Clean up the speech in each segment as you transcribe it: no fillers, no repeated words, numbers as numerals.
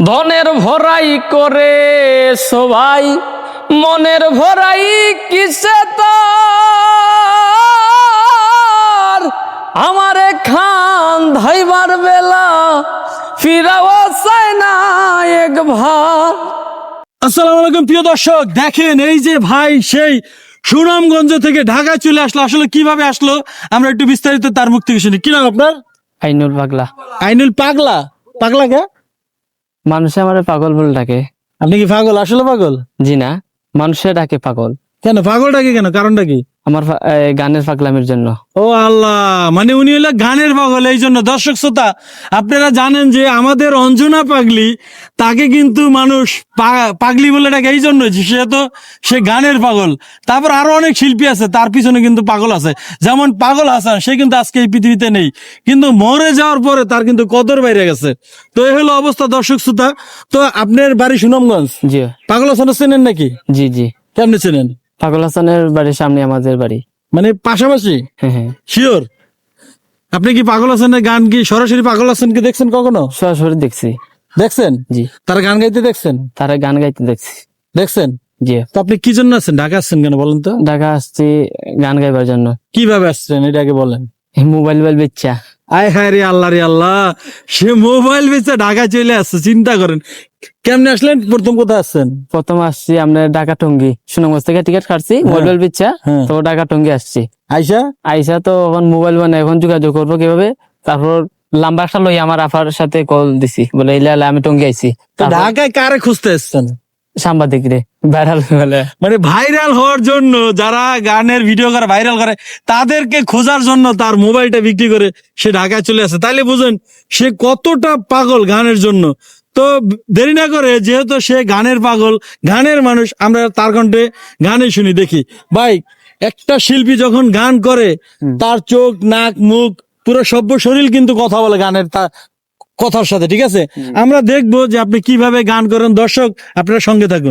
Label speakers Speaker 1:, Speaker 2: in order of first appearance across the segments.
Speaker 1: ধনের ভরাই করে সবাই মনের ভরাই কিসে তার আমারে খান ধাইবার বেলা ফিরাও চায় না এক ভার।
Speaker 2: আসসালামু আলাইকুম প্রিয় দর্শক, দেখেন এই যে ভাই সেই সুনামগঞ্জ থেকে ঢাকায় চলে আসলো, আসলে কিভাবে আসলো আমরা একটু বিস্তারিত তার মুখ থেকে শুনি। কি নাম আপনার?
Speaker 1: আইনুল পাগলা।
Speaker 2: আইনুল পাগলা? পাগলা কে?
Speaker 1: মানুষে আমারে পাগল বলে ডাকে।
Speaker 2: আপনি কি পাগল? আসলে পাগল?
Speaker 1: জি না, মানুষে ডাকে পাগল।
Speaker 2: কেন পাগল ডাকে কেন? কারণটা কি?
Speaker 1: আমার গানের পাগলামির জন্য।
Speaker 2: ও আল্লাহ, মানে উনি হলো গানের পাগল। এই জন্য দর্শক শ্রোতা, আপনারা জানেন যে আমাদের অঞ্জনা পাগলি, তাকে কিন্তু মানুষ পাগলি বলে ডাকে এই জন্য যে সে গানের পাগল। তারপর আরো অনেক শিল্পী আছে, তার পিছনে কিন্তু পাগল আছে। যেমন পাগল হাসান, সে কিন্তু আজকে এই পৃথিবীতে নেই, কিন্তু মরে যাওয়ার পরে তার কিন্তু কদর বাইরে গেছে। তো এই হলো অবস্থা দর্শক শ্রোতা। তো আপনার বাড়ি সুনামগঞ্জ?
Speaker 1: জি
Speaker 2: পাগল হাসান চেনেন নাকি?
Speaker 1: জি জি।
Speaker 2: কেমনে চেনেন?
Speaker 1: পাগল হাসানের বাড়ির সামনে আমাদের বাড়ি।
Speaker 2: মানে পাশাপাশি?
Speaker 1: হ্যাঁ হ্যাঁ।
Speaker 2: শিওর? আপনি কি পাগল হাসানের গান কি সরাসরি পাগল হাসানকে দেখছেন কখনো?
Speaker 1: সরাসরি দেখছি।
Speaker 2: দেখছেন?
Speaker 1: জি।
Speaker 2: তার গান গাইতে দেখছেন?
Speaker 1: তারা গান গাইতে দেখছি।
Speaker 2: দেখছেন?
Speaker 1: জি।
Speaker 2: তো আপনি কি জন্য আসছেন? ঢাকা আসছেন কেন বলেন তো?
Speaker 1: ঢাকা আসছি গান গাইবার জন্য।
Speaker 2: কিভাবে আসছেন এটা আগে বলেন।
Speaker 1: মোবাইল বেচা।
Speaker 2: আয় হায় রে আল্লাহ রে আল্লাহ, সে মোবাইল বেচে ঢাকা চলে আসছে, চিন্তা করেন। কেমনে আসলেন? প্রথম কোথায় আসছেন?
Speaker 1: প্রথম আসছি আমরা ঢাকা টঙ্গী, সুনামগঞ্জ থেকে টিকিট কাটছি মোবাইল বেচা, তো ঢাকা টঙ্গী আসছি।
Speaker 2: আইসা
Speaker 1: আইসা তো এখন মোবাইল মানে এখন যোগাযোগ করবো কিভাবে, তারপর লাম্বারটা লই আমার আফার সাথে কল দিছি, বলে ইলা আমি টঙ্গী আইছি।
Speaker 2: তো ঢাকায় কারে খুঁজতে এসছেন?
Speaker 1: সাংবাদিক রে ভাইরাল বলে,
Speaker 2: মানে ভাইরাল হওয়ার জন্য, যারা গানের ভিডিও করে ভাইরাল করে তাদেরকে খোঁজার জন্য তার মোবাইলটা বিক্রি করে সে ঢাকায় চলে আসে। তাইলে বুঝেন সে কতটা পাগল গানের জন্য। তো দেরি না করে, যেহেতু সে গানের পাগল, গানের মানুষ, আমরা তার কণ্ঠে গানে শুনি দেখি। ভাই, একটা শিল্পী যখন গান করে তার চোখ, নাক, মুখ, পুরো সভ্য শরীর কিন্তু কথা বলে গানের কথার সাথে, ঠিক আছে? আমরা দেখবো যে আপনি কিভাবে গান করেন। দর্শক আপনারা সঙ্গে থাকুন।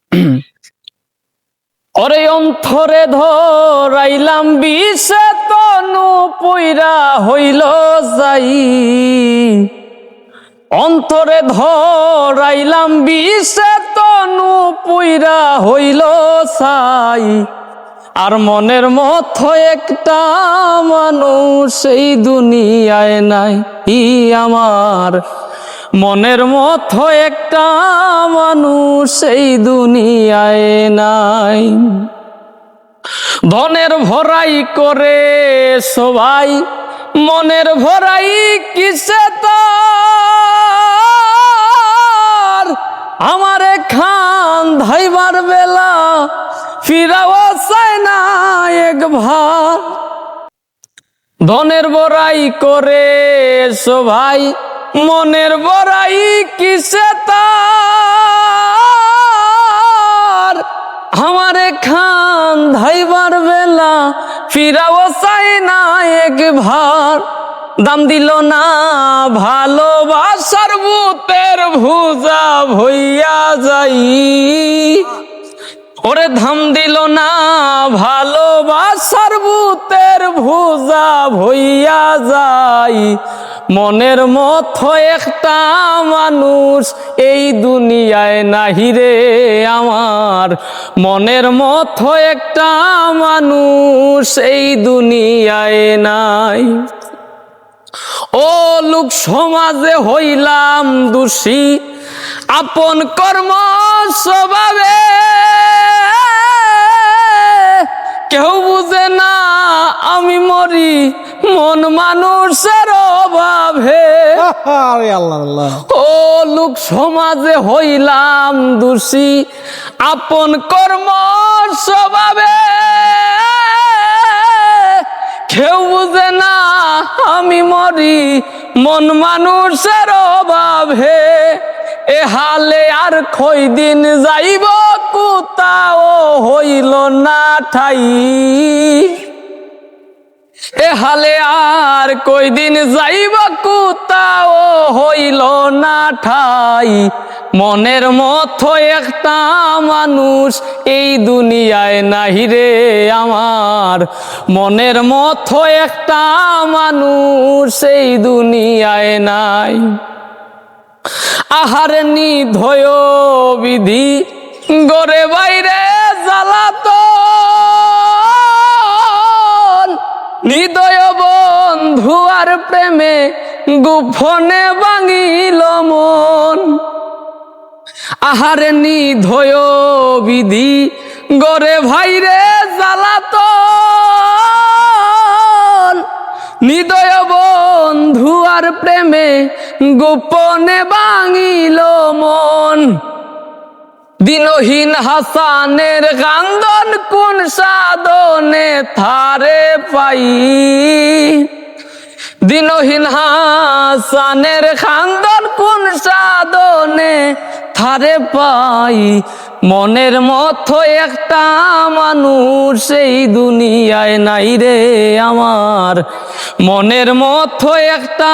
Speaker 1: ওরে অন্তরে ধরাইলাম বিষে তনু পুইরা হইল যাই, অন্তরে ধরাইলাম বিষে তনু পুইরা হইল ছাই, আর মনের মতো একটা মানুষ এই দুনিয়ায় নাই। আমার মনের মতো একটা মানুষ এই দুনিয়ায় নাই। ধনের ভরাই করে সবাই মনের ভরাই কিসে তার আমারে খান ধাইবার বেলা ফিরাও চায় না এক ভার। ধনের বড়াই করে সবাই মনের বড়াই কিসে তার আমারে খান ধাইবার বেলা ফিরাও চায় না এক ভার। দাম দিল না ভালোবাসার বুতের ভুজা ভইয়া যাই, ওরে ধাম দিল না ভালোবাসার বুতের ভুজা ভইয়া যাই, মনের মতো একটা মানুষ এই দুনিয়ায় নাহি রে আমার, মনের মতো একটা মানুষ এই দুনিয়ায় নাই। ও লোক সমাজে হইলাম দোষী আপন কর্ম স্বভাবে, কেউ বুঝে না আমি মরি মন মানুষের অভাবে। ও লোক সমাজে হইলাম দোষী আপন কর্ম স্বভাবে, কেউ বুঝে না আমি মরি মন মানুষের অভাবে। এ হালে আর কয়দিন যাইব কোথাও হইল না ঠাই, এ হালে আর কয়দিন যাইব কোথাও হইল না ঠাই, মনের মতো একটা মানুষ এই দুনিয়ায় নাহি রে আমার, মনের মতো একটা মানুষ এই দুনিয়ায় নাই। আহারে নিধয় বিধি গরে বাইরে জ্বালাতন, নিদয় বন্ধু আর প্রেমে গোপনে ভাঙিল মন। আহারে নিধয় বিধি গরে ভাইরে জ্বালাতন, নিদয় বন্ধু আর প্রেমে গোপনে ভাঙিল মন। দিনহীন হাসানের কান্দন কোন সাধনে থারে পাই, দিনহীন হাসানের খান্দন কোন সাধনে থারে পাই। মনের মতো একটা মানুষ সেই দুনিয়ায় নাই রে আমার, মনের মতো একটা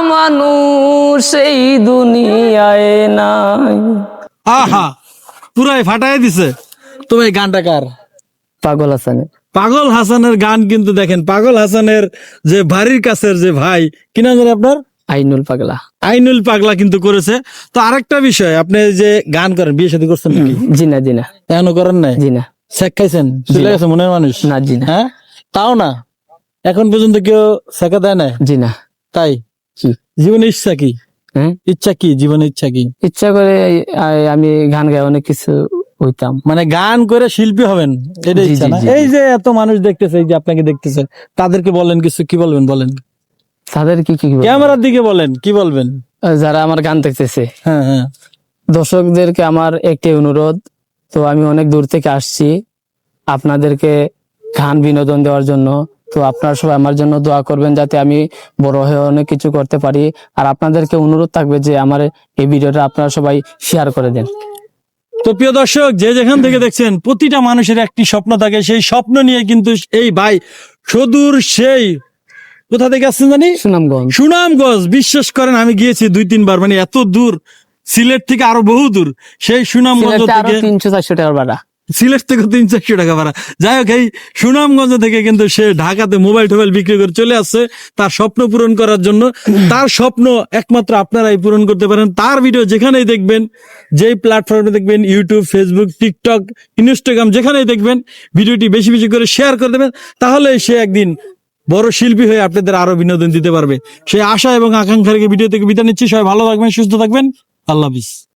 Speaker 1: মানুষ সেই দুনিয়ায় নাই।
Speaker 2: আহা, পুরাই ফাটাই দিছে। তো এই গানটা কার?
Speaker 1: পাগল হাসানের।
Speaker 2: পাগল হাসানের গান কিন্তু দেখেন, পাগল হাসানের যে বাড়ির কাছের যে ভাই, কি নাম জানেন আপনার?
Speaker 1: আইনুল পাগলা।
Speaker 2: আইনুল পাগলা কিন্তু করেছে। তো আরেকটা বিষয়, আপনি যে গান করেন, বিয়ে শাদী করছেন নাকি?
Speaker 1: জি না, জি না,
Speaker 2: এখনো করেন নাই?
Speaker 1: জি না।
Speaker 2: শেখ খাইছেন? চলে গেছে মনের মানুষ?
Speaker 1: না, জি না।
Speaker 2: হ্যাঁ, তাও না, এখন পর্যন্ত কেউ শেখা দেয় না?
Speaker 1: জি না।
Speaker 2: তাই
Speaker 1: কি
Speaker 2: জীবনের ইচ্ছা কি?
Speaker 1: হ্যাঁ,
Speaker 2: ইচ্ছা কি, জীবনের ইচ্ছা কি?
Speaker 1: ইচ্ছা করে আমি গান গাই অনেক কিছু হইতাম।
Speaker 2: মানে গান করে শিল্পী হবেন, এটা
Speaker 1: জি,
Speaker 2: ইচ্ছা
Speaker 1: জি,
Speaker 2: না?
Speaker 1: জি,
Speaker 2: এই যে এত মানুষ দেখতেছে, এই যে আপনাকে দেখতেছে, তাদেরকে বলেন কিছু, কি বলবেন বলেন?
Speaker 1: তাদের কি কি বলবো?
Speaker 2: ক্যামেরার দিকে বলেন, কি বলবেন?
Speaker 1: যারা আমার গান দেখতেছে,
Speaker 2: হ্যাঁ হ্যাঁ,
Speaker 1: দর্শকদেরকে আমার একটি অনুরোধ, তো আমি অনেক দূর থেকে আসছি আপনাদেরকে গান বিনোদন দেওয়ার জন্য। তো আপনারা সবাই আমার জন্য দোয়া করবেন যাতে আমি বড় হয়ে অনেক কিছু করতে পারি। আর আপনাদেরকে অনুরোধ থাকবে যে আমার এই ভিডিওটা আপনারা সবাই শেয়ার করে দেন।
Speaker 2: তো প্রিয় দর্শক, যে যেখান থেকে দেখছেন, প্রতিটা মানুষের একটি স্বপ্ন থাকে। সেই স্বপ্ন নিয়ে কিন্তু এই ভাই সুদূর সেই কোথা থেকে আসছেন জানি,
Speaker 1: সুনামগঞ্জ।
Speaker 2: সুনামগঞ্জ। বিশ্বাস করেন, আমি গিয়েছি 2-3 বার, মানে এত দূর, সিলেট থেকে আরো বহু দূর। সেই সুনামগঞ্জ
Speaker 1: সিলেটে আরো
Speaker 2: থেকে,
Speaker 1: 300-400 টাকার ভাড়া।
Speaker 2: সিলেট থেকে 300-400 টাকা ভাড়া। যাই হোক, এই সুনামগঞ্জ থেকে কিন্তু সে ঢাকাতে মোবাইল টোবাইল বিক্রি করে চলে আসছে তার স্বপ্ন পূরণ করার জন্য। তার স্বপ্ন একমাত্র আপনারাই পূরণ করতে পারেন। তার ভিডিও যেখানেই দেখবেন, যেই প্ল্যাটফর্মে দেখবেন, ইউটিউব, ফেসবুক, টিকটক, ইনস্টাগ্রাম, যেখানেই দেখবেন, ভিডিওটি বেশি বেশি করে শেয়ার করে দেবেন। তাহলে সে একদিন বড় শিল্পী হয়ে আপনাদের আরো বিনোদন দিতে পারবে। সেই আশা এবং আকাঙ্ক্ষা রেখে ভিডিও থেকে বিদায় নিচ্ছি। সবাই ভালো থাকবেন, সুস্থ থাকবেন। আল্লাহ হাফিজ।